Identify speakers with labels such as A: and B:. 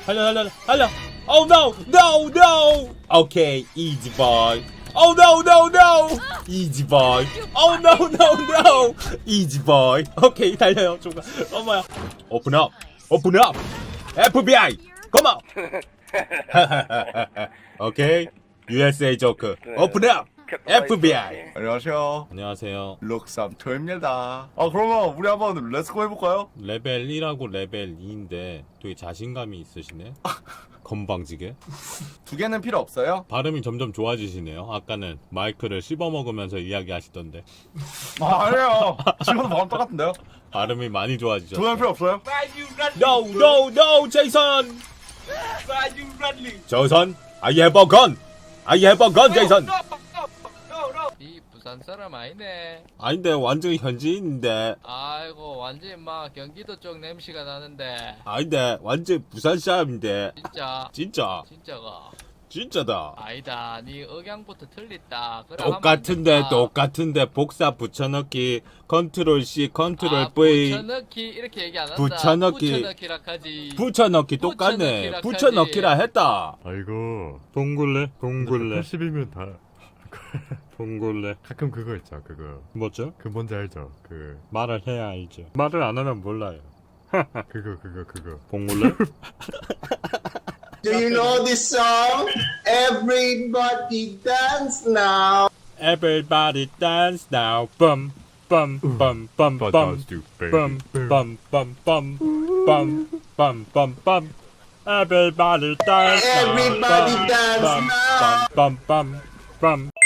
A: 달려. Oh no, no, no. Okay, easy boy. Oh no, no, no. Easy boy. Oh no, no, no. Easy boy. Okay, 달려요. 좀 어머야. Open up. Open up. FBI. Come on. Okay. USA 조크. Open up. FBI.
B: 안녕하세요.
A: 안녕하세요.
B: 룩삼토입니다. 그러면 우리 한번 렛츠고 해볼까요?
A: 레벨 1하고 레벨 2인데 되게 자신감이 있으시네. 건방지게.
B: 두 개는 필요 없어요?
A: 발음이 점점 좋아지시네요. 아까는 마이크를 씹어먹으면서 이야기하시던데
B: 아니에요. 지금도 마음 똑같은데요?
A: 발음이 많이
B: 두 개는
A: 좋아지셨어요.
B: 필요 없어요?
A: No, no, no, 제이슨. 저선, I have a gun. I have a gun, 제이슨.
C: 이 부산 사람 아니네.
A: 아닌데 완전 현지인인데.
C: 아이고 완전 막 경기도 쪽 냄새가 나는데.
A: 아닌데 완전 부산 사람인데.
C: 진짜
A: 진짜가.
C: 진짜다. 아니다. 네 억양부터 틀렸다. 그래 하면 안 된다.
A: 똑같은데 복사 붙여넣기 컨트롤 C 컨트롤 V
C: 붙여넣기 이렇게 얘기 안 한다. 붙여넣기라 하지.
A: 붙여넣기 똑같네. 붙여넣기라 했다.
D: 아이고
A: 동굴레
D: 80이면 다
A: 동굴레
D: 가끔 그거 있죠. 그거
A: 뭐죠?
D: 그 뭔지 알죠? 그
A: 말을 해야 알죠. 말을 안 하면 몰라요.
D: 그거
A: 동굴레?
E: Do you know this song? Everybody dance now.
A: Everybody dance now. Bum bum bum bum bum bum bum bum bum bum bum bum bum. Everybody dance now.
E: Everybody dance now.
A: Bum bum bum bum.